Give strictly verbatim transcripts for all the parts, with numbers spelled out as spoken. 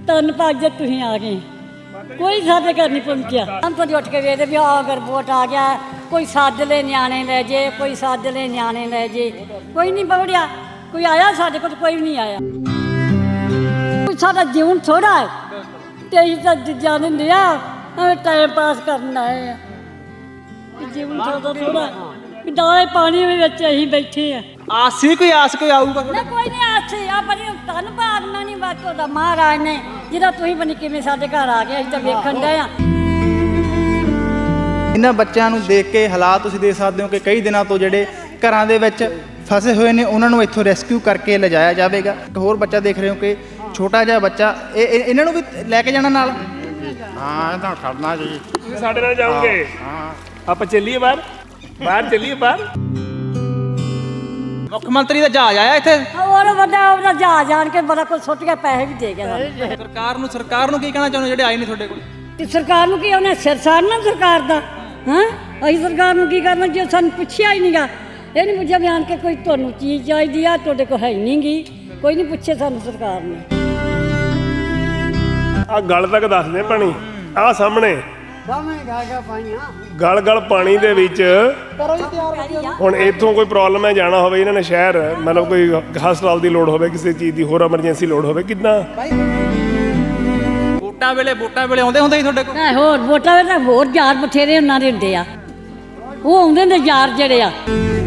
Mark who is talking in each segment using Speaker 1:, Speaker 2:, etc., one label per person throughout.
Speaker 1: ਧੰਨਵਾਦ ਜੇ ਤੁਸੀਂ ਆ ਗਏ। ਕੋਈ ਸਾਡੇ ਘਰ ਨਹੀਂ ਪਹੁੰਚਿਆ। हम तो ਉੱਠ ਕੇ ਵੇਖਦੇ ਵੀ ਆ ਅਗਰ ਵੋਟ ਆ ਗਿਆ, ਕੋਈ ਸੱਦ ਲੈ ਨਿਆਣੇ ਲੈ ਜੇ, ਕੋਈ ਸੱਦ ਲੈ ਨਿਆਣੇ ਲੈ ਜੇ, ਕੋਈ ਨਹੀਂ ਪਹੁੰਚਿਆ। ਕੋਈ ਆਇਆ ਸਾਡੇ ਕੋਲ? ਕੋਈ ਨਹੀਂ ਆਇਆ। ਕੋਈ ਸਾਡਾ ਜੀਵਨ ਥੋੜਾ ਹੈ ਤੇ ਅਸੀਂ ਤਾਂ ਜਾਣ ਦਿਆ ਟਾਈਮ ਪਾਸ ਕਰਨ ਆਏ ਆ। ਜੀਵਨ ਸਾਡਾ ਥੋੜਾ ਹੈ, ਦਾਲੇ ਪਾਣੀ ਵਿੱਚ ਅਸੀਂ ਬੈਠੇ ਆ।
Speaker 2: ਆਸ ਸੀ ਕੋਈ ਆਸ ਕੋਈ ਆਊਗਾ?
Speaker 1: ਨਾ ਕੋਈ ਨਹੀਂ ਆਸ ਸੀ। ਆ ਬੜੀ ਧੰਨਵਾਦ ਨਾ ਨਹੀਂ ਬਸ ਤੁਹਾਡਾ ਮਹਾਰਾਜ ਨੇ ਜਿਹਦਾ ਤੁਸੀਂ ਬਣੀ ਕਿਵੇਂ ਸਾਡੇ ਘਰ ਆ ਗਏ। ਅਸੀਂ ਤਾਂ ਵੇਖਣ ਡਏ ਆ।
Speaker 2: ਇਹਨਾਂ ਬੱਚਿਆਂ ਨੂੰ ਦੇਖ ਕੇ ਹਾਲਾਤ ਤੁਸੀਂ ਦੇਖ ਸਕਦੇ ਹੋ ਕਿ ਕਈ ਦਿਨਾਂ ਤੋਂ ਜਿਹੜੇ ਘਰਾਂ ਦੇ ਵਿੱਚ ਫਸੇ ਹੋਏ ਨੇ ਉਹਨਾਂ ਨੂੰ ਇੱਥੋਂ ਰੈਸਕਿਊ ਕਰਕੇ ਲਿਜਾਇਆ ਜਾਵੇਗਾ। ਇੱਕ ਹੋਰ ਬੱਚਾ ਦੇਖ ਰਹੇ ਹੋ ਕਿ ਛੋਟਾ ਜਿਹਾ ਬੱਚਾ, ਇਹ ਇਹ- ਇਹਨਾਂ ਨੂੰ ਵੀ ਲੈ ਕੇ ਜਾਣਾ ਨਾਲ?
Speaker 3: ਹਾਂ ਇਹ ਤਾਂ ਖੜਨਾ ਜੀ।
Speaker 4: ਤੁਸੀਂ ਸਾਡੇ ਨਾਲ ਜਾਓਗੇ?
Speaker 3: ਹਾਂ
Speaker 4: ਆਪਾਂ ਚੱਲੀਏ ਬਾਹਰ, ਬਾਹਰ ਚੱਲੀਏ ਬਾਹਰ।
Speaker 2: ਮੁੱਖ ਮੰਤਰੀ ਦਾ ਜਹਾਜ਼ ਆਇਆ ਇੱਥੇ।
Speaker 1: ਹੋਰ ਵੱਡਾ ਉਹਦਾ ਜਾ ਜਾਣ ਕੇ ਬੜਾ ਕੁਝ ਸੁੱਟ ਕੇ ਪੈਸੇ ਵੀ ਦੇ ਗਿਆ ਸਾਨੂੰ।
Speaker 2: ਸਰਕਾਰ ਨੂੰ ਸਰਕਾਰ ਨੂੰ ਕੀ ਕਹਿਣਾ ਚਾਹੁੰਦੇ ਜਿਹੜੇ ਆਏ ਨੇ ਤੁਹਾਡੇ ਕੋਲ?
Speaker 1: ਤੇ ਸਰਕਾਰ ਨੂੰ ਕੀ ਉਹਨੇ ਸਿਰ ਸਾੜਨਾ ਸਰਕਾਰ ਦਾ? ਹਾਂ ਅਸੀਂ ਸਰਕਾਰ ਨੂੰ ਕੀ ਕਰਨਾ ਜੇ ਸਾਨੂੰ ਪੁੱਛਿਆ ਹੀ ਨਹੀਂਗਾ। ਇਹ ਨਹੀਂ ਪੁੱਛਿਆ ਵੀ ਆਣ ਕੇ ਕੋਈ ਤੁਹਾਨੂੰ ਚੀਜ਼ ਚਾਹੀਦੀ ਆ, ਤੁਹਾਡੇ ਕੋਲ ਹੈ ਨਹੀਂ ਗੀ। ਕੋਈ ਨਹੀਂ ਪੁੱਛੇ ਸਾਨੂੰ ਸਰਕਾਰ ਨੇ।
Speaker 4: ਆ ਗਲ ਤੱਕ ਦੱਸਦੇ ਪਾਣੀ ਆ ਸਾਹਮਣੇ ਗਲ ਗਲ ਪਾਣੀ ਦੇ ਵਿੱਚ। ਹੁਣ ਇੱਥੋਂ ਕੋਈ ਪ੍ਰੋਬਲਮ ਹੈ ਜਾਣਾ ਹੋਵੇ ਇਹਨਾਂ ਨੇ ਸ਼ਹਿਰ, ਮਤਲਬ ਕੋਈ ਹਸਪਤਾਲ ਦੀ ਲੋੜ ਹੋਵੇ, ਕਿਸੇ ਚੀਜ਼ ਦੀ ਹੋਰ ਐਮਰਜੈਂਸੀ ਲੋੜ ਹੋਵੇ, ਕਿੱਦਾਂ?
Speaker 2: ਵੋਟਾਂ ਵੇਲੇ ਵੋਟਾਂ ਵੇਲੇ ਆਉਂਦੇ ਹੁੰਦੇ ਸੀ ਤੁਹਾਡੇ ਕੋਲ?
Speaker 1: ਨਾ ਹੋਰ ਵੋਟਾਂ ਵੇ ਤਾਂ ਹੋਰ ਯਾਰ ਬਥੇਰੇ ਉਹਨਾਂ ਦੇ ਹੁੰਦੇ ਆ। ਉਹ ਆਉਂਦੇ ਨੇ ਯਾਰ ਜਿਹੜੇ ਆ।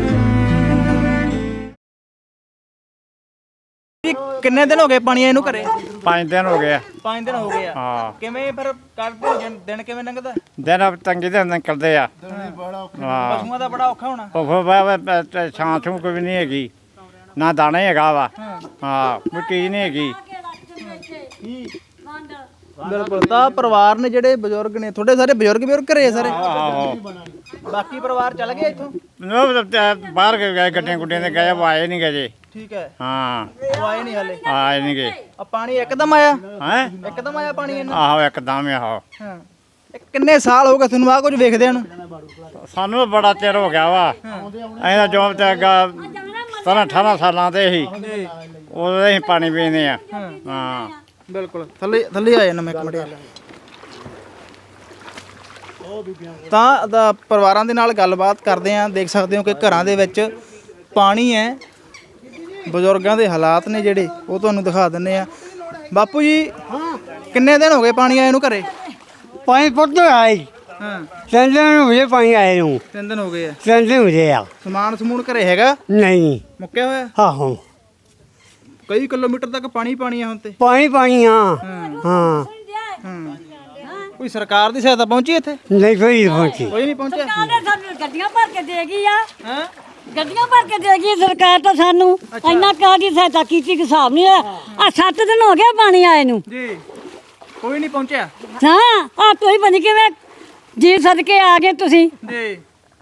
Speaker 2: ਕਿੰਨੇ ਦਿਨ ਹੋ ਗਏ ਪਾਣੀ ਇਹਨੂੰ ਘਰੇ?
Speaker 3: ਪੰਜ ਦਿਨ ਹੋ ਗਏ ਆ।
Speaker 2: ਪੰਜ ਦਿਨ ਹੋ ਗਏ ਆ।
Speaker 3: ਹਾਂ
Speaker 2: ਕਿਵੇਂ ਫਿਰ ਕੱਢਦੇ ਹੋ ਦਿਨ- ਦਿਨ ਕਿਵੇਂ ਲੰਘਦਾ?
Speaker 3: ਦਿਨ ਤੰਗੀ ਦੇ ਨਿਕਲਦੇ ਆ। ਹਾਂ
Speaker 2: ਪਸ਼ੂਆਂ ਦਾ ਬੜਾ ਔਖਾ ਹੋਣਾ।
Speaker 3: ਉਹ ਫਿਰ ਛਾਂ ਛੂੰ ਕੋਈ ਨਹੀਂ ਹੈਗੀ, ਨਾ ਦਾਣਾ ਹੀ ਹੈਗਾ ਵਾ। ਹਾਂ ਕੋਈ ਚੀਜ਼ ਨਹੀਂ ਹੈਗੀ।
Speaker 2: ਬਿਲਕੁਲ। ਤਾਂ ਪਰਿਵਾਰ ਨੇ ਜਿਹੜੇ ਬਜ਼ੁਰਗ ਨੇ ਤੁਹਾਡੇ, ਸਾਰੇ ਬਜ਼ੁਰਗ ਬਜ਼ੁਰਗ ਘਰੇ ਆ ਸਾਰੇ?
Speaker 3: ਆਹੋ
Speaker 2: ਬਾਕੀ ਪਰਿਵਾਰ ਚੱਲ ਗਿਆ ਇੱਥੋਂ?
Speaker 3: ਉਹ ਤਾਂ ਬਾਹਰ ਗਏ, ਗੱਡੀਆਂ ਗੁੱਡੀਆਂ ਤੇ ਗਏ, ਉਹ ਆਏ ਨਹੀਂ ਗਏ ਜੀ।
Speaker 2: ਠੀਕ ਹੈ।
Speaker 3: ਹਾਂ
Speaker 2: ਉਹ ਆਏ ਨਹੀਂ ਹਲੇ?
Speaker 3: ਆਏ ਨਹੀਂ ਗਏ।
Speaker 2: ਆ ਪਾਣੀ ਇੱਕਦਮ ਆਇਆ?
Speaker 3: ਹੈ
Speaker 2: ਇੱਕਦਮ ਆਇਆ ਪਾਣੀ ਇਹਨਾਂ?
Speaker 3: ਆਹੋ ਇੱਕਦਮ ਹੀ ਆਹੋ।
Speaker 2: ਹਾਂ। ਇਹ ਕਿੰਨੇ ਸਾਲ ਹੋ ਗਏ ਤੁਹਾਨੂੰ ਆ ਕੁਝ ਵੇਖਦਿਆਂ ਨੂੰ?
Speaker 3: ਸਾਨੂੰ ਤਾਂ ਬੜਾ ਚਿਰ ਹੋ ਗਿਆ ਵਾ। ਅਸੀਂ ਤਾਂ ਜੋਬ ਤੇ ਅੱਗਾ ਸਤਾਰਾਂ ਅਠਾਰਾਂ ਸਾਲਾਂ ਤੇ ਸੀ, ਉਦੋਂ ਅਸੀਂ ਪਾਣੀ ਪੀਂਦੇ ਆ। ਹਾਂ
Speaker 2: ਬਿਲਕੁਲ। ਥੱਲੇ ਥੱਲੇ ਆ ਜਾਣਾ ਮੈਂ ਇੱਕ ਮਿੰਟ। ਤਾਂ ਦਾ ਪਰਿਵਾਰਾਂ ਦੇ ਨਾਲ ਗੱਲਬਾਤ ਕਰਦੇ ਆ। ਦੇਖ ਸਕਦੇ ਹੋ ਕਿ ਘਰਾਂ ਦੇ ਵਿੱਚ ਪਾਣੀ ਹੈ। ਬਜ਼ੁਰਗਾਂ ਦੇ ਹਾਲਾਤ ਨੇ ਜਿਹੜੇ ਉਹ ਤੁਹਾਨੂੰ ਦਿਖਾ ਦਿੰਨੇ ਆ। ਬਾਪੂ ਜੀ ਕਿੰਨੇ ਦਿਨ ਹੋ ਗਏ ਪਾਣੀ ਆਏ ਨੂੰ ਘਰੇ?
Speaker 5: पानी पड़ता है।
Speaker 2: ਹਾਂ
Speaker 5: तीन दिन मुझे पानी आए हूँ।
Speaker 2: ਤਿੰਨ ਦਿਨ ਹੋ ਗਏ ਆ।
Speaker 5: तीन दिन मुझे आ
Speaker 2: ਸਮਾਨ ਸਮੂਨ ਘਰੇ ਹੈਗਾ?
Speaker 5: नहीं।
Speaker 2: ਮੁੱਕਿਆ ਹੋਇਆ?
Speaker 5: हाँ हाँ
Speaker 2: ਕਈ ਕਿਲੋਮੀਟਰ ਤੱਕ ਪਾਣੀ ਪਾਣੀ ਆ ਹੁਣ ਤੇ।
Speaker 5: पानी पानी हाँ हाँ
Speaker 2: ਹਾਂ ਕੋਈ ਸਰਕਾਰ ਦੀ ਸਹਾਇਤਾ ਪਹੁੰਚੀ ਇੱਥੇ?
Speaker 5: नहीं कोई पहुँची।
Speaker 2: ਕੋਈ ਨਹੀਂ ਪਹੁੰਚਿਆ।
Speaker 1: ਸਰਕਾਰ ਨੇ ਸਾਨੂੰ ਗੱਡੀਆਂ ਭਰ ਕੇ ਦੇ ਗਈ ਆ।
Speaker 2: ਹਾਂ
Speaker 1: ਗੱਡੀਆਂ ਭਰ ਕੇ ਦੇ ਗਈ ਸਰਕਾਰ ਤਾਂ ਸਾਨੂੰ। ਇੰਨਾ ਕਾਹਦੀ ਸਹਾਇਤਾ ਕੀਤੀ ਕਿ ਹਿਸਾਬ ਨਹੀਂ ਆ। ਆ ਸੱਤ ਦਿਨ ਹੋ ਗਏ ਪਾਣੀ ਆਏ ਨੂੰ।
Speaker 2: ਜੀ ਕੋਈ ਨਹੀਂ ਪਹੁੰਚਿਆ?
Speaker 1: ਹਾਂ ਆ ਤੁਸੀਂ ਬਣੀ ਕਿਵੇਂ ਜੀ ਸਦਕੇ ਆ ਗਏ ਤੁਸੀਂ।
Speaker 2: ਜੀ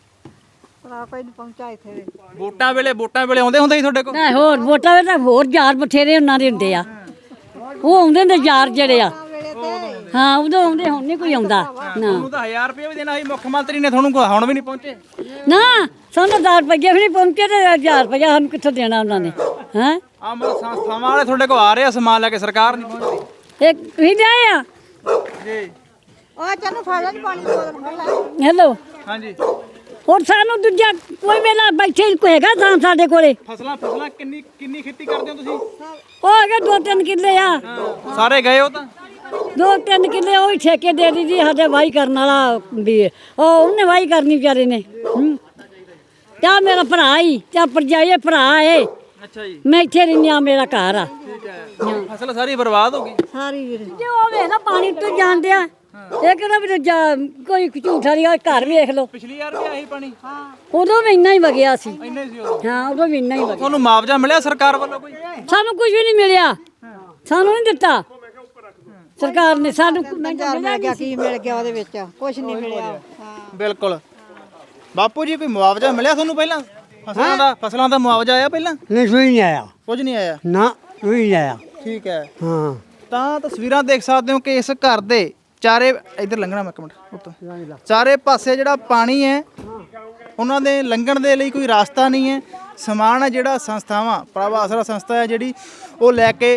Speaker 2: ਵੋਟਾਂ ਵੇਲੇ ਵੋਟਾਂ ਵੇਲੇ ਆਉਂਦੇ ਹੁੰਦੇ ਸੀ ਤੁਹਾਡੇ ਕੋਲ?
Speaker 1: ਨਾ ਹੋਰ ਵੋਟਾਂ ਵੇ ਤਾਂ ਹੋਰ ਯਾਰ ਬਥੇਰੇ ਉਹਨਾਂ ਦੇ ਹੁੰਦੇ ਆ। ਉਹ ਆਉਂਦੇ ਨੇ ਯਾਰ ਜਿਹੜੇ ਆ। ਹਾਂ ਉਦੋਂ ਆਉਂਦੇ, ਹੁਣ ਨਹੀਂ ਕੋਈ ਆਉਂਦਾ ਨਾ।
Speaker 2: ਤੁਹਾਨੂੰ ਤਾਂ ਹਜ਼ਾਰ ਰੁਪਏ ਵੀ ਦੇਣਾ ਸੀ ਮੁੱਖ ਮੰਤਰੀ ਨੇ, ਤੁਹਾਨੂੰ ਕੋਈ ਹੁਣ ਵੀ ਨਹੀਂ ਪਹੁੰਚੇ?
Speaker 1: ਨਾ ਸਾਨੂੰ ਹਜ਼ਾਰ ਰੁਪਈਆ ਵੀ ਨਹੀਂ ਪਹੁੰਚੇ ਤੇ ਹਜ਼ਾਰ ਰੁਪਈਆ ਸਾਨੂੰ ਕਿੱਥੋਂ ਦੇਣਾ ਉਹਨਾਂ ਨੇ? ਹੈਂ
Speaker 2: ਆ ਮਤਲਬ ਸੰਸਥਾਵਾਂ ਵਾਲੇ ਤੁਹਾਡੇ ਕੋਲ ਆ ਰਹੇ ਆ ਸਮਾਨ ਲੈ ਕੇ, ਸਰਕਾਰ ਨਹੀਂ ਪਹੁੰਚਦੀ?
Speaker 1: ਇਹ ਤੁਸੀਂ ਲਿਆਏ ਆ?
Speaker 2: ਜੀ
Speaker 6: ਉਹ ਤੈਨੂੰ ਫੜ ਲੈ ਪਾਣੀ ਦੀ ਬੋਤਲ ਫੜ ਲੈ।
Speaker 1: ਹੈਲੋ।
Speaker 2: ਹਾਂਜੀ।
Speaker 1: ਹੋਰ ਸਾਨੂੰ ਦੂਜਾ ਕੋਈ ਵੇਲਾ ਬੈਠੇ ਕੋਈ ਹੈਗਾ ਤਾਂ ਸਾਡੇ ਕੋਲੇ?
Speaker 2: ਫਸਲਾਂ ਫਸਲਾਂ ਕਿੰਨੀ ਕਿੰਨੀ ਖੇਤੀ ਕਰਦੇ ਹੋ ਤੁਸੀਂ?
Speaker 1: ਉਹ ਹੈਗੇ ਦੋ ਤਿੰਨ ਕਿੱਲੇ ਆ।
Speaker 2: ਸਾਰੇ ਗਏ ਹੋ ਤਾਂ?
Speaker 1: ਦੋ ਤਿੰਨ ਕਿੱਲੇ ਉਹ ਹੀ ਠੇਕੇ ਦੇ ਦਿੱਤੀ ਸਾਡੇ ਵਾਹੀ ਕਰਨ ਵਾਲਾ ਵੀ ਉਹ ਉਹਨੇ ਵਾਹੀ ਕਰਨੀ ਵਿਚਾਰੇ ਨੇ। ਕਿਆ ਮੇਰਾ ਭਰਾ ਹੀ ਕਿਆ ਪਰਜਾਈ ਭਰਾ ਏ।
Speaker 2: ਅੱਛਾ ਜੀ।
Speaker 1: ਮੈਂ ਇੱਥੇ ਰਹਿੰਦੀ ਆ, ਮੇਰਾ ਘਰ ਆ।
Speaker 2: ਠੀਕ ਹੈ। ਫਸਲ ਸਾਰੀ ਬਰਬਾਦ ਹੋ ਗਈ?
Speaker 1: ਸਾਰੀ ਵੀਰ ਜੇ ਉਹ ਵੇਖ ਲਾ ਪਾਣੀ ਤੋਂ ਜਾਂਦੇ ਆ। ਇਹ ਕਿਹੜਾ ਵੀ ਦੂਜਾ ਕੋਈ ਝੂਠਾ ਨਹੀਂ। ਘਰ ਵੇਖ ਲਓ,
Speaker 2: ਪਿਛਲੀ ਵਾਰ ਵੀ ਆਹੀ ਪਾਣੀ?
Speaker 1: ਉਦੋਂ ਵੀ ਇੰਨਾ ਹੀ ਵਗਿਆ ਸੀ।
Speaker 2: ਇੰਨੇ ਸੀ ਉਦੋਂ?
Speaker 1: ਹਾਂ ਉਦੋਂ ਵੀ ਇੰਨਾ ਹੀ ਵਗਿਆ।
Speaker 2: ਤੁਹਾਨੂੰ ਮੁਆਵਜ਼ਾ ਮਿਲਿਆ ਸਰਕਾਰ ਵੱਲੋਂ ਕੋਈ?
Speaker 1: ਸਾਨੂੰ ਕੁਝ ਵੀ ਨਹੀਂ ਮਿਲਿਆ। ਸਾਨੂੰ ਨਹੀਂ ਦਿੱਤਾ ਸਰਕਾਰ ਨੇ। ਸਾਨੂੰ
Speaker 6: ਮਿਲ ਗਿਆ ਕੀ ਮਿਲ ਗਿਆ ਉਹਦੇ ਵਿੱਚ? ਕੁਝ ਨਹੀਂ ਮਿਲਿਆ। ਹਾਂ
Speaker 2: ਬਿਲਕੁਲ। ਬਾਪੂ ਜੀ ਕੋਈ ਮੁਆਵਜ਼ਾ ਮਿਲਿਆ ਤੁਹਾਨੂੰ ਪਹਿਲਾਂ ਫਸਲਾਂ ਦਾ? ਫਸਲਾਂ ਦਾ ਮੁਆਵਜ਼ਾ ਆਇਆ ਪਹਿਲਾਂ?
Speaker 5: नहीं कोई नहीं आया
Speaker 2: ਕੁਝ ਨਹੀਂ ਆਇਆ?
Speaker 5: ना कोई नहीं आया।
Speaker 2: ਠੀਕ ਹੈ।
Speaker 5: हाँ
Speaker 2: ਤਾਂ ਤਸਵੀਰਾਂ ਦੇਖ ਸਕਦੇ ਹੋ ਕਿ ਇਸ ਘਰ ਦੇ ਚਾਰੇ ਇੱਧਰ ਲੰਘਣਾ ਮੈਂ ਇੱਕ ਮਿੰਟ ਉੱਤੋਂ ਚਾਰੇ ਪਾਸੇ ਜਿਹੜਾ ਪਾਣੀ ਹੈ ਉਹਨਾਂ ਦੇ ਲੰਘਣ ਦੇ ਲਈ ਕੋਈ ਰਸਤਾ ਨਹੀਂ ਹੈ। ਸਮਾਨ ਹੈ ਜਿਹੜਾ ਸੰਸਥਾਵਾਂ ਪ੍ਰਭ ਆਸਰਾ ਸੰਸਥਾ ਹੈ ਜਿਹੜੀ ਉਹ ਲੈ ਕੇ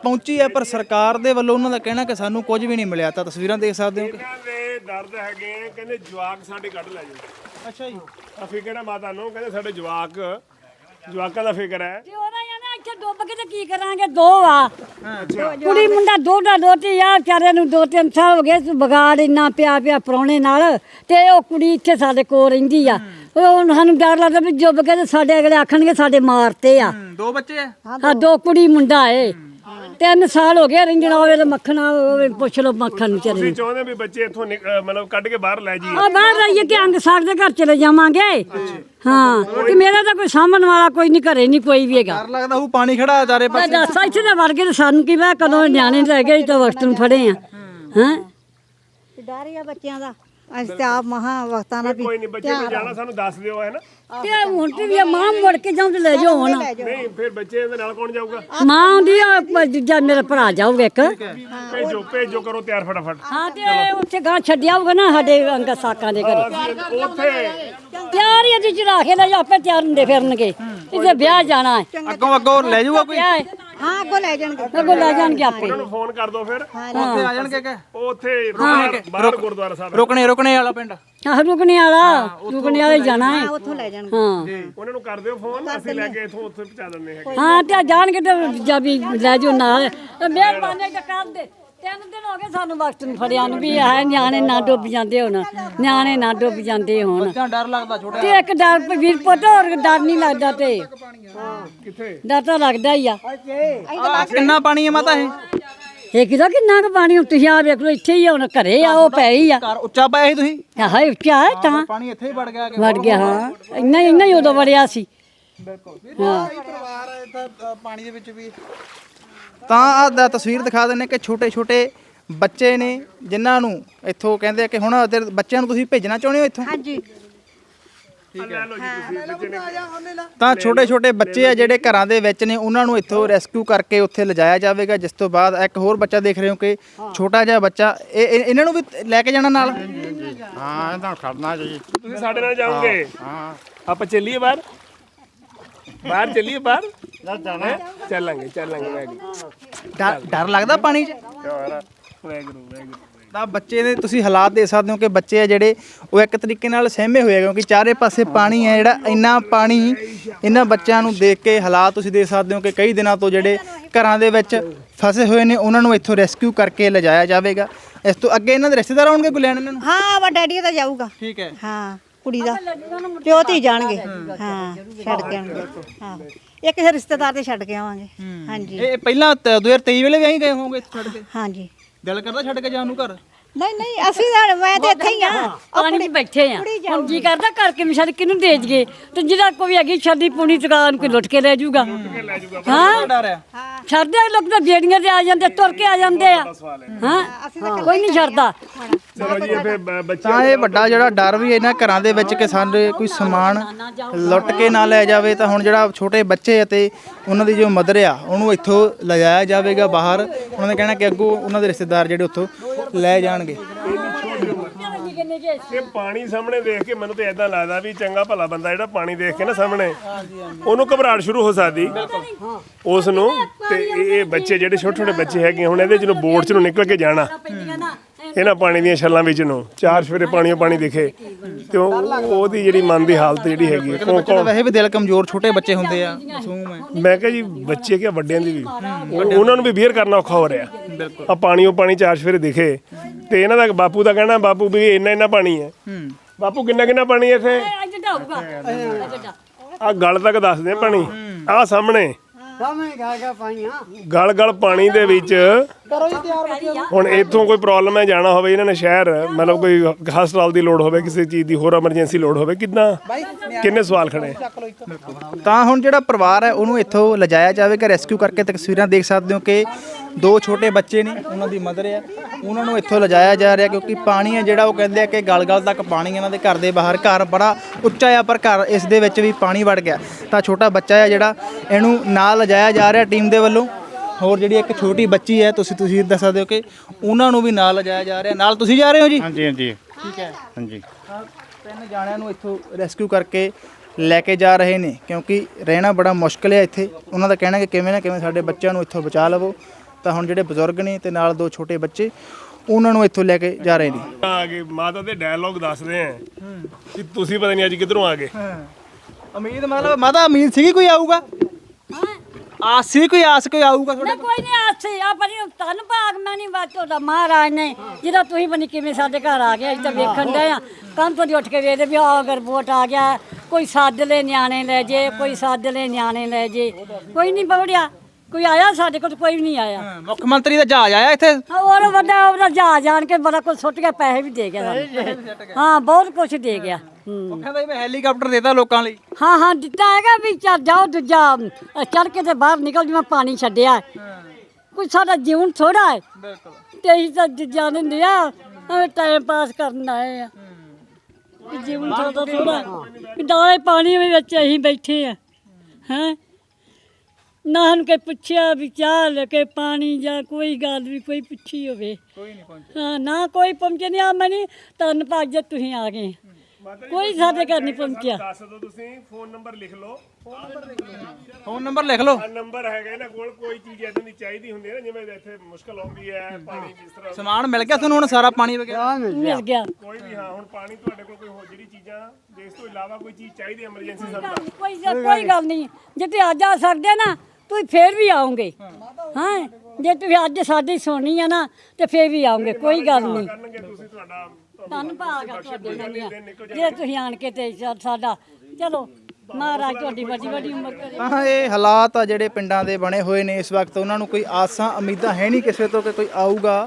Speaker 2: ਪਹੁੰਚੀ ਹੈ, ਪਰ ਸਰਕਾਰ ਦੇ ਵੱਲੋਂ ਉਹਨਾਂ ਦਾ ਕਹਿਣਾ ਕਿ ਸਾਨੂੰ ਕੁਝ ਵੀ ਨਹੀਂ ਮਿਲਿਆ। ਤਾਂ ਤਸਵੀਰਾਂ ਦੇਖ ਸਕਦੇ ਹੋ ਕਿ
Speaker 4: ਇਹਨਾਂ ਦੇ ਦਰਦ ਹੈਗੇ ਆ, ਕਹਿੰਦੇ ਜਵਾਕ ਸਾਡੇ ਕੱਢ ਲੈ ਜਾਓ।
Speaker 2: ਅੱਛਾ ਜੀ,
Speaker 4: ਆ ਫਿਕਰ ਹੈ ਮਾਤਾ ਨੂੰ, ਕਹਿੰਦੇ ਸਾਡੇ ਜਵਾਕ ਜਵਾਕਾਂ ਦਾ ਫਿਕਰ ਹੈ।
Speaker 1: ਤੇ ਉਹਦਾ ਯਾਰ ਇੱਥੇ ਡੁੱਬ ਕੇ ਤੇ ਕੀ ਕਰਾਂਗੇ? ਦੋ ਆ ਕੁੜੀ ਮੁੰਡਾ ਦੋਡਾ ਦੋਤੀ ਆ, ਵਿਚਾਰੇ ਨੂੰ ਦੋ ਤਿੰਨ ਸਾਲ ਹੋ ਗਏ ਵਿਗਾੜ ਇੰਨਾ ਪਿਆ ਪਿਆ ਪ੍ਰਾਹੁਣੇ ਨਾਲ, ਤੇ ਉਹ ਕੁੜੀ ਇੱਥੇ ਸਾਡੇ ਕੋਲ ਰਹਿੰਦੀ ਆ। ਉਹ ਹੁਣ ਸਾਨੂੰ ਡਰ ਲੱਗਦਾ ਵੀ ਡੁੱਬ ਕੇ ਤੇ ਸਾਡੇ ਅਗਲੇ ਆਖਣਗੇ ਸਾਡੇ ਮਾਰਤੇ ਆ।
Speaker 2: ਦੋ ਬੱਚੇ ਆ।
Speaker 1: ਹਾਂ ਦੋ ਕੁੜੀ ਮੁੰਡਾ ਏ, ਤਿੰਨ ਸਾਲ ਹੋ ਗਏ ਰਹਿੰਦੇ ਹੋਵੇ ਤੇ ਮੱਖਣਾ ਹੋਵੇ, ਪੁੱਛ ਲਓ ਮੱਖਣ ਨੂੰ ਚਲੇ
Speaker 4: ਤੁਸੀਂ ਚਾਹੁੰਦੇ ਵੀ ਬੱਚੇ ਇੱਥੋਂ ਨਿਕ- ਅਹ ਮਤਲਬ ਕੱਢ ਕੇ ਬਾਹਰ ਲੈ ਜਾਈਏ?
Speaker 1: ਆ ਬਾਹਰ ਰਹੀਏ ਕਿ ਅੰਗ ਸਾਗ ਦੇ ਘਰ ਚਲੇ ਜਾਵਾਂਗੇ। ਹਾਂ ਕਿ ਮੇਰਾ ਤਾਂ ਕੋਈ ਸਾਂਭਣ ਵਾਲਾ ਕੋਈ ਨਹੀਂ, ਘਰੇ ਨਹੀਂ ਕੋਈ ਵੀ ਹੈਗਾ।
Speaker 2: ਡਰ ਲੱਗਦਾ ਉਹ ਪਾਣੀ ਖੜਾ ਹੈ ਚਾਰੇ
Speaker 1: ਮੈਂ
Speaker 2: ਪਾਸੇ।
Speaker 1: ਦੱਸਾਂ ਇੱਥੇ ਤਾਂ ਵੜ ਗਏ ਤੇ ਸਾਨੂੰ ਕੀ ਮੈਂ ਕਦੋਂ ਨਿਆਣੇ ਲੈ ਗਏ ਤਾਂ ਵਕਤ ਨੂੰ ਫੜੇ ਆ। ਹਾਂ
Speaker 6: ਡਰ ਹੀ ਆ ਬੱਚਿਆਂ ਦਾ। ਅਸੀਂ ਤਾਂ ਆਪ ਮਹਾ ਵਕਤਾਂ ਨਾਲ ਵੀ
Speaker 4: ਕੋਈ ਨਹੀਂ, ਬੱਚੇ ਨੂੰ ਜਾਣਾ ਸਾਨੂੰ ਦੱਸ ਦਿਓ, ਹੈ ਨਾ?
Speaker 1: ਤੇ ਹੁਣ ਤੇ ਵੀ ਆ, ਮਾਂ ਮੁੜ ਕੇ ਜਾਉਂ ਤੇ ਲੈ ਜਾਓ ਹੁਣ।
Speaker 4: ਨਹੀਂ ਫਿਰ ਬੱਚੇ ਦੇ ਨਾਲ ਕੌਣ ਜਾਊਗਾ?
Speaker 1: ਮਾਂ ਆਉਂਦੀ ਆ, ਦੂਜਾ ਮੇਰਾ ਭਰਾ ਜਾਊਗਾ ਇੱਕ।
Speaker 4: ਭੇਜੋ ਭੇਜੋ, ਕਰੋ ਤਿਆਰ ਫਟਾਫਟ।
Speaker 1: ਹਾਂ ਤੇ ਉੱਥੇ ਗਾਂ ਛੱਡਿਆ ਹੋਊਗਾ ਨਾ ਸਾਡੇ ਅੰਗਾ ਸਾਕਾਂ ਦੇ ਘਰੇ।
Speaker 4: ਅਸੀਂ ਉੱਥੇ
Speaker 1: ਤਿਆਰ ਹੀ ਅੱਜ ਚੜਾ ਕੇ ਲੈ ਜਾ, ਆਪੇ ਤਿਆਰ ਹੁੰਦੇ ਫਿਰਨਗੇ। ਇੱਥੇ ਵਿਆਹ ਜਾਣਾ ਹੈ,
Speaker 2: ਅੱਗੋਂ ਅੱਗੋਂ ਲੈ ਜਾਊਗਾ ਕੋਈ?
Speaker 1: ਵਿਆਹ ਹੈ,
Speaker 6: ਹਾਂ ਅੱਗੋਂ ਲੈ ਜਾਣਗੇ।
Speaker 1: ਅੱਗੋਂ ਲੈ ਜਾਣਗੇ ਆਪੇ।
Speaker 4: ਉਹਨਾਂ ਨੂੰ ਫੋਨ ਕਰ ਦਿਓ ਫਿਰ।
Speaker 2: ਉੱਥੇ ਆ ਜਾਣਗੇ ਕਿ
Speaker 4: ਉਹ ਉੱਥੇ ਬਾਹਰ ਬਾਹਰ ਗੁਰਦੁਆਰਾ ਸਾਹਿਬ
Speaker 2: ਰੁਕਣੇ ਰੁਕਣੇ ਵਾਲਾ ਪਿੰਡ?
Speaker 1: ਆਹ ਰੁਕਣੇ ਵਾਲਾ, ਰੁਕਣੇ ਵਾਲੇ ਜਾਣਾ ਹੈ।
Speaker 6: ਉੱਥੋਂ ਲੈ ਜਾਣਗੇ।
Speaker 1: ਹਾਂ
Speaker 4: ਉਹਨਾਂ ਨੂੰ ਕਰ ਦਿਓ ਫੋਨ, ਅਸੀਂ ਲੈ ਕੇ ਇਥੋਂ ਉੱਥੇ ਪਹੁੰਚਾ ਦਿੰਦੇ ਹੈਗੇ।
Speaker 1: ਹਾਂ ਤੇ ਜਾਣਗੇ ਤੇ ਜਾ ਵੀ ਲੈ ਜਾਓ ਨਾਲ। ਮਿਹਰਬਾਨੀ ਤਾਂ ਕਰ ਦੇ। ਤਿੰਨ ਦਿਨ ਹੋ ਗਏ ਸਾਨੂੰ ਵਕਤ ਨੂੰ ਫੜਿਆ ਨੂੰ ਵੀ ਹੈ ਨਿਆਣੇ ਨਾ ਡੁੱਬ ਜਾਂਦੇ ਹੁਣ, ਨਿਆਣੇ ਨਾ ਡੁੱਬ ਜਾਂਦੇ ਹੁਣ।
Speaker 2: ਜਾਂ ਡਰ ਲੱਗਦਾ ਛੋਟਾ?
Speaker 1: ਤੇ ਇੱਕ ਡਰ ਵੀਰ ਪੁੱਤ ਹੋਰ ਡਰ ਨਹੀਂ ਲੱਗਦਾ ਤੇ
Speaker 4: ਕਿੱਥੇ
Speaker 1: ਡਰ ਤਾਂ ਲੱਗਦਾ ਹੀ ਆ।
Speaker 2: ਆਹ ਕਿੰਨਾ ਪਾਣੀ ਹੈ ਮਾਤਾ ਇਹ?
Speaker 1: ਇਹ ਕਿਦਾ ਕਿੰਨਾ ਕੁ ਪਾਣੀ ਹੁਣ ਤੁਸੀਂ ਆ ਵੇਖ ਲਓ, ਇੱਥੇ ਹੀ ਆ ਹੁਣ, ਘਰੇ ਆ ਉਹ ਪੈ ਹੀ ਆ।
Speaker 2: ਘਰ ਉੱਚਾ ਪਾਇਆ ਸੀ ਤੁਸੀਂ?
Speaker 1: ਆਹ ਉੱਚਾ ਹੈ ਤਾਂ
Speaker 2: ਪਾਣੀ ਇੱਥੇ ਹੀ ਵੜ ਗਿਆ ਕਿ?
Speaker 1: ਵੜ ਗਿਆ। ਹਾਂ ਇੰਨਾ ਹੀ ਇੰਨਾ ਹੀ ਉਦੋਂ ਵੜਿਆ ਸੀ।
Speaker 2: ਬਿਲਕੁਲ
Speaker 1: ਹਾਂ
Speaker 2: ਪਰਿਵਾਰ ਹੈ ਤਾਂ ਪਾਣੀ ਦੇ ਵਿੱਚ ਵੀ। ਤਾਂ ਆਹ ਦਾ ਤਸਵੀਰ ਦਿਖਾ ਦਿੰਨੇ ਕਿ ਛੋਟੇ ਛੋਟੇ ਬੱਚੇ ਨੇ ਜਿਨ੍ਹਾਂ ਨੂੰ ਇੱਥੋਂ ਕਹਿੰਦੇ ਆ ਕਿ ਹੁਣ ਤੇ ਬੱਚਿਆਂ ਨੂੰ ਤੁਸੀਂ ਭੇਜਣਾ ਚਾਹੁੰਦੇ ਹੋ ਇੱਥੋਂ?
Speaker 6: ਹਾਂਜੀ
Speaker 2: ਤਾਂ ਛੋਟੇ ਛੋਟੇ ਬੱਚੇ ਆ ਜਿਹੜੇ ਘਰਾਂ ਦੇ ਵਿੱਚ ਨੇ, ਉਹਨਾਂ ਨੂੰ ਇੱਥੋਂ ਰੈਸਕਿਊ ਕਰਕੇ ਉੱਥੇ ਲਿਜਾਇਆ ਜਾਵੇਗਾ। ਜਿਸ ਤੋਂ ਬਾਅਦ ਇੱਕ ਹੋਰ ਬੱਚਾ ਦੇਖ ਰਹੇ ਹੋ ਕਿ ਛੋਟਾ ਜਿਹਾ ਬੱਚਾ, ਇਹ ਇਹ- ਇਹਨਾਂ ਨੂੰ ਵੀ ਲੈ ਕੇ ਜਾਣਾ ਨਾਲ?
Speaker 3: ਹਾਂ ਇਹਦਾ ਖੜਨਾ ਜੀ।
Speaker 4: ਤੁਸੀਂ ਸਾਡੇ ਨਾਲ ਜਾਓਗੇ?
Speaker 3: ਹਾਂ
Speaker 4: ਆਪਾਂ ਚੱਲੀਏ ਬਾਹਰ, ਬਾਹਰ ਚੱਲੀਏ ਬਾਹਰ।
Speaker 3: ਲੈ ਜਾਣਾ।
Speaker 4: ਚੱਲਾਂਗੇ ਚੱਲਾਂਗੇ ਵੈਗਰੂ
Speaker 2: ਡਰ ਡਰ ਲੱਗਦਾ ਪਾਣੀ 'ਚ?
Speaker 4: ਵੈਗਰੂ ਵੈਗਰੂ
Speaker 2: ਤਾਂ ਬੱਚੇ ਦੇ ਤੁਸੀਂ ਹਾਲਾਤ ਦੇ ਸਕਦੇ ਹੋ ਕਿ ਬੱਚੇ ਆ ਜਿਹੜੇ ਉਹ ਇੱਕ ਤਰੀਕੇ ਨਾਲ ਸਹਿਮੇ ਹੋਏ ਆ, ਕਿਉਂਕਿ ਚਾਰੇ ਪਾਸੇ ਪਾਣੀ ਹੈ ਜਿਹੜਾ ਇੰਨਾ ਪਾਣੀ। ਇਹਨਾਂ ਬੱਚਿਆਂ ਨੂੰ ਦੇਖ ਕੇ ਹਾਲਾਤ ਤੁਸੀਂ ਦੇਖ ਸਕਦੇ ਹੋ ਕਿ ਕਈ ਦਿਨਾਂ ਤੋਂ ਜਿਹੜੇ ਘਰਾਂ ਦੇ ਵਿੱਚ ਫਸੇ ਹੋਏ ਨੇ, ਉਹਨਾਂ ਨੂੰ ਇੱਥੋਂ ਰੈਸਕਿਊ ਕਰਕੇ ਲਿਜਾਇਆ ਜਾਵੇਗਾ। ਇਸ ਤੋਂ ਅੱਗੇ ਇਹਨਾਂ ਦੇ ਰਿਸ਼ਤੇਦਾਰ ਆਉਣਗੇ ਕੋਈ ਲੈਣ ਇਹਨਾਂ ਨੂੰ?
Speaker 6: ਹਾਂ ਵਾ ਡੈਡੀ ਤਾਂ ਜਾਊਗਾ।
Speaker 2: ਠੀਕ ਹੈ।
Speaker 6: ਹਾਂ ਕੁੜੀ ਦਾ ਪਿਓ ਤੇ ਹੀ ਜਾਣਗੇ। ਹਾਂ ਛੱਡ ਕੇ ਆਉਣਗੇ। ਹਾਂ ਇਹ ਕਿਸੇ ਰਿਸ਼ਤੇਦਾਰ ਤੇ ਛੱਡ ਕੇ ਆਵਾਂਗੇ। ਹਾਂਜੀ
Speaker 2: ਇਹ ਪਹਿਲਾਂ ਤ- ਦੋ ਹਜ਼ਾਰ ਤੇਈ ਵੇਲੇ ਵੀ ਆਈ ਗਏ ਹੋਵੋਗੇ ਇੱਥੇ ਛੱਡ ਕੇ?
Speaker 6: ਹਾਂਜੀ
Speaker 2: ਦਿਲ ਕਰਦਾ ਛੱਡ ਕੇ ਜਾਣ ਨੂੰ ਘਰ?
Speaker 6: ਨਹੀਂ ਨਹੀਂ ਅਸੀਂ ਤਾਂ ਮੈਂ ਤੇ ਇੱਥੇ ਹੀ ਆ।
Speaker 1: ਪਾਣੀ 'ਚ ਬੈਠੇ ਆ ਹੁਣ, ਜੀ ਕਰਦਾ ਕਰਕੇ ਵੀ ਛੱਡ ਕਿਹਨੂੰ ਦੇ ਜਗੇ, ਤੇ ਜਿਹਦਾ ਕੋਈ ਹੈਗੀ ਛੱਡੀ ਪੂਣੀ ਦੁਕਾਨ ਕੋਈ ਲੁੱਟ ਕੇ ਲੈ ਜਾਊਗਾ। ਹਾਂ
Speaker 2: ਡਰ ਆ?
Speaker 1: ਛੱਡਦੇ ਆ ਲੋਕ ਤਾਂ ਬੇੜੀਆਂ ਤੇ ਆ ਜਾਂਦੇ, ਤੁਰ ਕੇ ਆ ਜਾਂਦੇ ਆ। ਹਾਂ ਕੋਈ ਨਹੀਂ ਛੱਡਦਾ।
Speaker 4: ਚਲੋ ਜੀ, ਇਹ ਫਿਰ ਬ- ਬੱਚੇ
Speaker 2: ਤਾਂ ਇਹ ਵੱਡਾ ਜਿਹੜਾ ਡਰ ਵੀ ਇਹਨਾਂ ਘਰਾਂ ਦੇ ਵਿੱਚ ਕਿ ਸਾਡੇ ਕੋਈ ਸਮਾਨ ਲੁੱਟ ਕੇ ਨਾ ਲੈ ਜਾਵੇ। ਤਾਂ ਹੁਣ ਜਿਹੜਾ ਛੋਟੇ ਬੱਚੇ ਅਤੇ ਉਹਨਾਂ ਦੀ ਜੋ ਮਦਰ ਆ ਉਹਨੂੰ ਇੱਥੋਂ ਲਿਜਾਇਆ ਜਾਵੇਗਾ ਬਾਹਰ। ਉਹਨਾਂ ਨੇ ਕਹਿਣਾ ਕਿ ਅੱਗੋਂ ਉਹਨਾਂ ਦੇ ਰਿਸ਼ਤੇਦਾਰ ਜਿਹੜੇ ਉੱਥੋਂ ਲੈ ਜਾਣਗੇ।
Speaker 4: ਇਹ ਪਾਣੀ ਸਾਹਮਣੇ ਦੇਖ ਕੇ ਮੈਨੂੰ ਤਾਂ ਇਦਾਂ ਲੱਗਦਾ ਵੀ ਚੰਗਾ ਭਲਾ ਬੰਦਾ ਜਿਹੜਾ ਪਾਣੀ ਦੇਖ ਕੇ ਨਾ ਸਾਹਮਣੇ, ਉਹਨੂੰ ਘਬਰਾਹਟ ਸ਼ੁਰੂ ਹੋ ਸਕਦੀ ਉਸ ਨੂੰ। ਤੇ ਇਹ ਇਹ ਬੱਚੇ ਜਿਹੜੇ ਛੋਟੇ ਛੋਟੇ ਬੱਚੇ ਹੈਗੇ, ਹੁਣ ਇਹਦੇ ਜਿਹਨੂੰ ਬੋਟ ਚ ਨੂੰ ਨਿਕਲ ਕੇ ਜਾਣਾ ਇਹਨਾਂ ਪਾਣੀ ਦੀਆਂ ਛੱਲਾਂ ਵਿੱਚ ਨੂੰ, ਚਾਰ ਸਵੇਰੇ ਪਾਣੀਓ ਪਾਣੀ ਦਿਖੇ, ਤੇ ਉਹ- ਉਹਦੀ ਜਿਹੜੀ ਮਨ ਦੀ ਹਾਲਤ ਜਿਹੜੀ ਹੈਗੀ ਹੈ, ਕੌਣ
Speaker 2: ਬੱਚੇ ਤਾਂ ਵੈਸੇ ਵੀ ਦਿਲ ਕਮਜ਼ੋਰ ਛੋਟੇ ਬੱਚੇ ਹੁੰਦੇ ਆ, ਮਾਸੂਮ ਹੈ।
Speaker 4: ਮੈਂ ਕਿਹਾ ਜੀ ਬੱਚੇ ਕਿ ਵੱਡਿਆਂ ਦੀ ਵੀ, ਉਹ- ਉਹਨਾਂ ਨੂੰ ਵੀ ਬੀਅਰ ਕਰਨਾ ਔਖਾ ਹੋ ਰਿਹਾ। ਆ ਪਾਣੀਓ ਪਾਣੀ ਚਾਰ ਸਵੇਰੇ ਦਿਖੇ, ਤੇ ਇਹਨਾਂ ਦਾ ਬਾਪੂ ਦਾ ਕਹਿਣਾ ਬਾਪੂ ਵੀ ਇੰਨਾ ਇੰਨਾ ਪਾਣੀ ਹੈ। ਬਾਪੂ ਕਿੰਨਾ ਕਿੰਨਾ ਪਾਣੀ ਹੈ ਇੱਥੇ? ਆ ਗਲ ਤੱਕ ਦੱਸਦੇ ਆ ਪਾਣੀ, ਆ ਸਾਹਮਣੇ ਗਲ ਗਲ ਪਾਣੀ ਦੇ ਵਿੱਚ। ਹੁਣ ਇੱਥੋਂ ਕੋਈ ਪ੍ਰੋਬਲਮ ਹੈ ਜਾਣਾ ਹੋਵੇ ਇਹਨਾਂ ਨੇ ਸ਼ਹਿਰ, ਮਤਲਬ ਕੋਈ ਹਸਪਤਾਲ ਦੀ ਲੋੜ ਹੋਵੇ, ਕਿਸੇ ਚੀਜ਼ ਦੀ ਹੋਰ ਐਮਰਜੈਂਸੀ ਲੋੜ ਹੋਵੇ, ਕਿੱਦਾਂ ਕਿੰਨੇ ਸਵਾਲ ਖੜੇ।
Speaker 2: ਤਾਂ ਹੁਣ ਜਿਹੜਾ ਪਰਿਵਾਰ ਹੈ ਉਹਨੂੰ ਇੱਥੋਂ ਲਿਜਾਇਆ ਜਾਵੇਗਾ ਰੈਸਕਿਊ ਕਰਕੇ। ਤਸਵੀਰਾਂ ਦੇਖ ਸਕਦੇ ਹੋ ਕਿ ਦੋ ਛੋਟੇ ਬੱਚੇ ਨੇ, ਉਹਨਾਂ ਦੀ ਮਦਰ ਆ, ਉਹਨਾਂ ਨੂੰ ਇੱਥੋਂ ਲਿਜਾਇਆ ਜਾ ਰਿਹਾ ਕਿਉਂਕਿ ਪਾਣੀ ਹੈ ਜਿਹੜਾ ਉਹ ਕਹਿੰਦੇ ਆ ਕਿ ਗਲ ਗਲ ਤੱਕ ਪਾਣੀ ਇਹਨਾਂ ਦੇ ਘਰ ਦੇ ਬਾਹਰ। ਘਰ ਬੜਾ ਉੱਚਾ ਆ ਪਰ ਘਰ ਇਸ ਦੇ ਵਿੱਚ ਵੀ ਪਾਣੀ ਵੜ ਗਿਆ। ਤਾਂ ਛੋਟਾ ਬੱਚਾ ਹੈ ਜਿਹੜਾ ਇਹਨੂੰ ਨਾਲ ਲਿਜਾਇਆ ਜਾ ਰਿਹਾ ਟੀਮ ਦੇ ਵੱਲੋਂ। ਹੋਰ ਜਿਹੜੀ ਇੱਕ ਛੋਟੀ ਬੱਚੀ ਹੈ, ਤੁਸੀਂ ਤੁਸੀਂ ਦੱਸ ਸਕਦੇ ਹੋ ਕਿ ਉਹਨਾਂ ਨੂੰ ਵੀ ਨਾਲ ਲਿਜਾਇਆ ਜਾ ਰਿਹਾ। ਨਾਲ ਤੁਸੀਂ ਜਾ ਰਹੇ ਹੋ ਜੀ?
Speaker 3: ਹਾਂਜੀ ਹਾਂਜੀ
Speaker 2: ਠੀਕ ਹੈ।
Speaker 3: ਹਾਂਜੀ
Speaker 2: ਤਿੰਨ ਜਾਣਿਆਂ ਨੂੰ ਇੱਥੋਂ ਰੈਸਕਿਊ ਕਰਕੇ ਲੈ ਕੇ ਜਾ ਰਹੇ ਨੇ ਕਿਉਂਕਿ ਰਹਿਣਾ ਬੜਾ ਮੁਸ਼ਕਲ ਹੈ ਇੱਥੇ। ਉਹਨਾਂ ਦਾ ਕਹਿਣਾ ਕਿ ਕਿਵੇਂ ਨਾ ਕਿਵੇਂ ਸਾਡੇ ਬੱਚਿਆਂ ਨੂੰ ਇੱਥੋਂ ਬਚਾ ਲਵੋ। ਤਾਂ ਹੁਣ ਜਿਹੜੇ ਬਜ਼ੁਰਗ ਨੇ ਤੇ ਨਾਲ ਦੋ ਛੋਟੇ ਬੱਚੇ ਉਹਨਾਂ ਨੂੰ ਇੱਥੋਂ ਲੈ ਕੇ ਜਾ ਰਹੇ ਨੇ।
Speaker 4: ਆ ਗਏ ਮਾਤਾ ਦੇ ਡਾਇਲੌਗ ਦੱਸਦੇ ਆ ਕਿ ਤੁਸੀਂ ਪਤਾ ਨਹੀਂ ਅੱਜ ਕਿੱਧਰੋਂ ਆ ਗਏ।
Speaker 2: ਉਮੀਦ ਮਤਲਬ ਮਾਤਾ ਉਮੀਦ ਸੀਗੀ ਕੋਈ ਆਊਗਾ? ਆਸ ਸੀ ਕੋਈ ਆਸ ਕੋਈ ਆਊਗਾ ਤੁਹਾਡੇ?
Speaker 1: ਨਾ ਕੋਈ ਨਹੀਂ ਆਸੇ ਆ ਬਣੀ ਧੰਨ ਭਾਗ ਮੈਂ ਨਹੀਂ ਬਾਤ ਤੁਹਾਡਾ ਮਹਾਰਾਜ ਨੇ ਜਿਹਦਾ ਤੁਸੀਂ ਬਣੀ ਕਿਵੇਂ ਸਾਡੇ ਘਰ ਆ ਗਿਆ ਅਸੀਂ ਤਾਂ ਵੇਖਣ ਦੇ ਆ ਕੰਮ ਤੋਂ ਦੀ ਉੱਠ ਕੇ ਵੇਖਦੇ ਵੀ ਆ ਅਗਰ ਵੋਟ ਆ ਗਿਆ ਕੋਈ ਸੱਦ ਲੈ ਨਿਆਣੇ ਲੈ ਜੇ ਕੋਈ ਸੱਦ ਲੈ ਨਿਆਣੇ ਲੈ ਜੇ ਕੋਈ ਨਹੀਂ ਬਵੜਿਆ ਕੋਈ ਆਇਆ ਸਾਡੇ ਕੋਲ ਕੋਈ ਨਹੀਂ ਆਇਆ।
Speaker 2: ਮੁੱਖ ਮੰਤਰੀ ਦਾ ਜਹਾਜ਼ ਆਇਆ ਇੱਥੇ?
Speaker 1: ਹੋਰ ਵੱਡਾ ਉਹਦਾ ਜਾ ਜਾਣ ਕੇ ਬੜਾ ਕੁਝ ਸੁੱਟ ਗਿਆ ਪੈਸੇ ਵੀ ਦੇ ਗਿਆ ਸਾਨੂੰ। ਹਾਂ ਬਹੁਤ ਕੁਝ ਦੇ ਗਿਆ। ਹੂੰ
Speaker 2: ਕਹਿੰਦਾ ਮੈਂ ਹੈਲੀਕਾਪਟਰ ਦੇਤਾ ਲੋਕਾਂ ਲਈ।
Speaker 1: ਹਾਂ ਹਾਂ ਦਿੱਤਾ ਹੈਗਾ ਵੀ ਚੱਲ ਜਾਓ ਦੂਜਾ ਚੜ ਕੇ ਤੇ ਬਾਹਰ ਨਿਕਲ ਜਿਵੇਂ ਪਾਣੀ ਛੱਡਿਆ ਕੋਈ ਸਾਡਾ ਜੀਵਨ ਥੋੜਾ ਹੈ ਤੇ ਅਸੀਂ ਤਾਂ ਦੂਜਾ ਦਿੰਦੇ ਆ ਟਾਈਮ ਪਾਸ ਕਰਨ ਆਏ ਆ ਵੀ ਜੀਵਨ ਥੋੜਾ ਥੋੜਾ ਵੀ ਨਾਲੇ ਪਾਣੀ ਵਿੱਚ ਅਸੀਂ ਬੈਠੇ ਆ ਹੈਂ ਨਾ ਹਨ ਕੇ ਪੁੱਛਿਆ ਵੀ ਚਾਹ ਲੈ ਕੇ ਪਾਣੀ ਜਾਂ ਕੋਈ ਗੱਲ ਵੀ ਕੋਈ ਪੁੱਛੀ ਹੋਵੇ
Speaker 2: ਕੋਈ ਨਹੀਂ ਪਹੁੰਚਿਆ।
Speaker 1: ਹਾਂ ਨਾ ਕੋਈ ਪਹੁੰਚੇ ਨਹੀਂ ਆ ਮੈਂ ਨਹੀਂ ਧੰਨ ਭਾਗ ਜੇ ਤੁਸੀਂ ਆ ਗਏ ਕੋਈ ਸਾਡੇ ਘਰ ਨਹੀਂ ਪਹੁੰਚਿਆ।
Speaker 4: ਦੱਸ ਦਿਓ ਤੁਸੀਂ ਫੋਨ ਨੰਬਰ ਲਿਖ ਲਓ।
Speaker 2: ਫੋਨ ਨੰਬਰ ਲਿਖ ਲਓ।
Speaker 4: ਆ ਨੰਬਰ ਹੈਗਾ ਇਹਨਾਂ ਕੋਲ ਕੋਈ ਚੀਜ਼ ਇਦਾਂ ਦੀ ਚਾਹੀਦੀ ਹੁੰਦੀ ਹੈ ਨਾ ਜਿਵੇਂ ਇੱਥੇ ਮੁਸ਼ਕਲ ਆਉਂਦੀ ਹੈ ਪਾਣੀ ਜਿਸ ਤਰ੍ਹਾਂ
Speaker 2: ਸਮਾਨ ਮਿਲ ਗਿਆ ਤੁਹਾਨੂੰ ਹੁਣ ਸਾਰਾ ਪਾਣੀ ਵਗੈਰਾ?
Speaker 1: ਮਿਲ ਗਿਆ
Speaker 4: ਕੋਈ ਵੀ ਹਾਂ ਹੁਣ ਪਾਣੀ ਤੁਹਾਡੇ ਕੋਲ ਕੋਈ ਹੋਰ ਜਿਹੜੀ ਚੀਜ਼ਾਂ ਜੇ ਇਸ ਤੋਂ ਇਲਾਵਾ ਕੋਈ ਚੀਜ਼ ਚਾਹੀਦੀ ਐਮਰਜੈਂਸੀ ਸਭ ਦਾ
Speaker 1: ਕੋਈ ਕੋਈ ਗੱਲ ਨਹੀਂ ਜੇ ਤੁਸੀਂ ਅੱਜ ਆ ਸਕਦੇ ਨਾ ਤੁਸੀਂ ਫੇਰ ਵੀ ਆਉਂਗੇ ਹਾਂ ਜੇ ਤੁਸੀਂ ਅੱਜ ਸਾਡੀ ਸੁਣਨੀ ਆ ਨਾ ਤੇ ਫੇਰ ਵੀ ਆਉਂਗੇ ਕੋਈ ਗੱਲ ਨਹੀਂ।
Speaker 4: ਕਰਨਗੇ ਤੁਸੀਂ ਤੁਹਾਡਾ
Speaker 1: ਧੰਨ ਭਾਗ ਆ ਤੁਹਾਡੇ ਨਾਲ ਜੇ ਤੁਸੀਂ ਆਣ ਕੇ ਤੇ ਸਾ- ਸਾਡਾ ਚਲੋ ਮਹਾਰਾਜ ਤੁਹਾਡੀ ਵੱਡੀ ਵੱਡੀ ਉਮਰ ਕਰੇ।
Speaker 2: ਤਾਂ ਇਹ ਹਾਲਾਤ ਆ ਜਿਹੜੇ ਪਿੰਡਾਂ ਦੇ ਬਣੇ ਹੋਏ ਨੇ ਇਸ ਵਕਤ ਉਹਨਾਂ ਨੂੰ ਕੋਈ ਆਸਾਂ ਉਮੀਦਾਂ ਹੈ ਨਹੀਂ ਕਿਸੇ ਤੋਂ ਕਿ ਕੋਈ ਆਊਗਾ।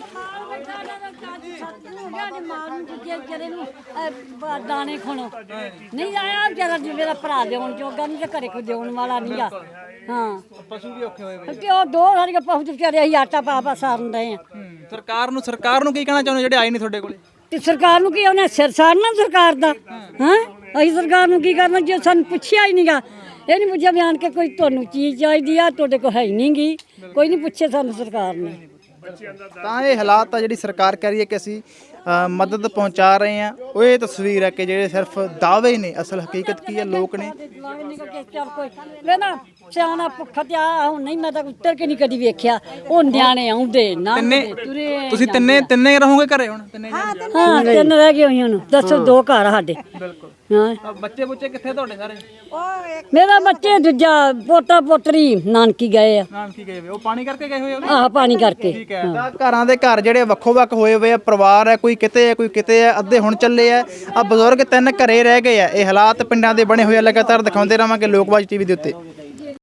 Speaker 1: ਦਾਣੇ ਖਣੋ ਨਹੀਂ ਆਇਆ ਵਿਚਾਰਾ ਮੇਰਾ ਭਰਾ ਦੇਉਣ ਜੋਗਾ ਨਹੀਂ ਤੇ ਘਰੇ ਕੋਈ ਦੇਉਣ ਵਾਲਾ ਨਹੀਂ ਆ। ਹਾਂ
Speaker 2: ਪਸ਼ੂ ਵੀ ਔਖੇ ਹੋਏ
Speaker 1: ਤੇ ਉਹ ਦੋ ਸਾਰੀਆਂ ਪਹੁੰਚ ਵਿਚਾਰੇ ਅਸੀਂ ਆਟਾ ਪਾ ਪਾ ਸਾਰਨ ਦੇ ਆ।
Speaker 2: ਸਰਕਾਰ ਨੂੰ ਸਰਕਾਰ ਨੂੰ ਕੀ ਕਹਿਣਾ ਚਾਹੁੰਦੇ ਜਿਹੜੇ ਆਏ ਨਹੀਂ ਤੁਹਾਡੇ ਕੋਲੇ?
Speaker 1: ਤੇ ਸਰਕਾਰ ਨੂੰ ਕੀ ਉਹਨੇ ਸਿਰ ਸਾੜਨਾ ਸਰਕਾਰ ਦਾ ਹਾਂ ਅਸੀਂ ਸਰਕਾਰ ਨੂੰ ਕੀ ਕਰਨਾ ਜੇ ਸਾਨੂੰ ਪੁੱਛਿਆ ਹੀ ਨਹੀਂਗਾ ਇਹ ਨਹੀਂ ਪੁੱਛਿਆ ਵੀ ਆਣ ਕੇ ਕੋਈ ਤੁਹਾਨੂੰ ਚੀਜ਼ ਚਾਹੀਦੀ ਆ ਤੁਹਾਡੇ ਕੋਲ ਹੈ ਨਹੀਂ ਗੀ ਕੋਈ ਨਹੀਂ ਪੁੱਛੇ ਸਾਨੂੰ ਸਰਕਾਰ ਨੇ।
Speaker 2: ਤਾਂ ਇਹ ਹਾਲਾਤ ਆ ਜਿਹੜੀ ਸਰਕਾਰ ਕਹਿ ਰਹੀ ਹੈ ਕਿ ਅਸੀਂ ਅ, ਮਦਦ ਪਹੁੰਚਾ ਰਹੇ ਹਾਂ ਉਹ ਇਹ ਤਸਵੀਰ ਹੈ ਕਿ ਜਿਹੜੇ ਸਿਰਫ ਦਾਅਵੇ ਨੇ ਅਸਲ ਹਕੀਕਤ ਕੀ ਹੈ ਲੋਕ ਨੇ।
Speaker 1: ਚੱਲ ਕੋਈ ਮੈਂ ਨਾ ਸਿਆਣਾ ਭੁੱਖਾ ਤੇ ਆ ਹੁਣ ਨਹੀਂ ਮੈਂ ਤਾਂ ਉੱਤਰ ਕੇ ਨਹੀਂ ਕਦੀ ਵੇਖਿਆ ਉਹ ਨਿਆਣੇ ਆਉਂਦੇ ਨਾ
Speaker 2: ਤਿੰਨੇ
Speaker 1: ਤੁਰੇ
Speaker 2: ਤੁਸੀਂ ਤਿੰਨੇ ਤਿੰਨੇ ਰਹੋਗੇ ਘਰੇ ਹੁਣ ਤਿੰਨੇ?
Speaker 1: ਹਾਂ ਤਿੰਨ ਰਹਿ ਗਏ ਹੋਈਆਂ ਨੂੰ ਦੱਸੋ ਦੋ ਘਰ ਆ ਸਾਡੇ
Speaker 2: ਬਿਲਕੁਲ।
Speaker 1: ਹਾਂ
Speaker 2: ਬੱਚੇ ਬੁੱਚੇ ਕਿੱਥੇ ਤੁਹਾਡੇ ਸਾਰੇ?
Speaker 1: ਮੇਰਾ ਬੱਚੇ ਦੂਜਾ ਪੋਤਾ ਪੋਤਰੀ ਨਾਨਕੀ ਗਏ ਆ
Speaker 2: ਨਾਮ ਕੀ ਗਏ ਵੇ ਉਹ ਪਾਣੀ ਕਰਕੇ ਗਏ ਹੋਏ ਆ?
Speaker 1: ਆਹ ਪਾਣੀ ਕਰਕੇ
Speaker 2: ਠੀਕ ਹੈ। ਤਾਂ ਘਰਾਂ ਦੇ ਘਰ ਜਿਹੜੇ ਵੱਖੋ ਵੱਖ ਹੋਏ ਹੋਏ ਆ ਪਰਿਵਾਰ ਹੈ ਕੋਈ ਕਿਤੇ ਹੈ ਕੋਈ ਕਿਤੇ ਹੈ ਅੱਧੇ ਹੁਣ ਚੱਲੇ ਆ ਆ ਬਜ਼ੁਰਗ ਤਿੰਨ ਘਰੇ ਰਹਿ ਗਏ ਆ। ਇਹ ਹਾਲਾਤ ਪਿੰਡਾਂ ਦੇ ਬਣੇ ਹੋਏ ਆ ਲਗਾਤਾਰ ਦਿਖਾਉਂਦੇ ਰਹਾਂਗੇ ਲੋਕਵਾਜ ਟੀਵੀ ਦੇ ਉੱਤੇ।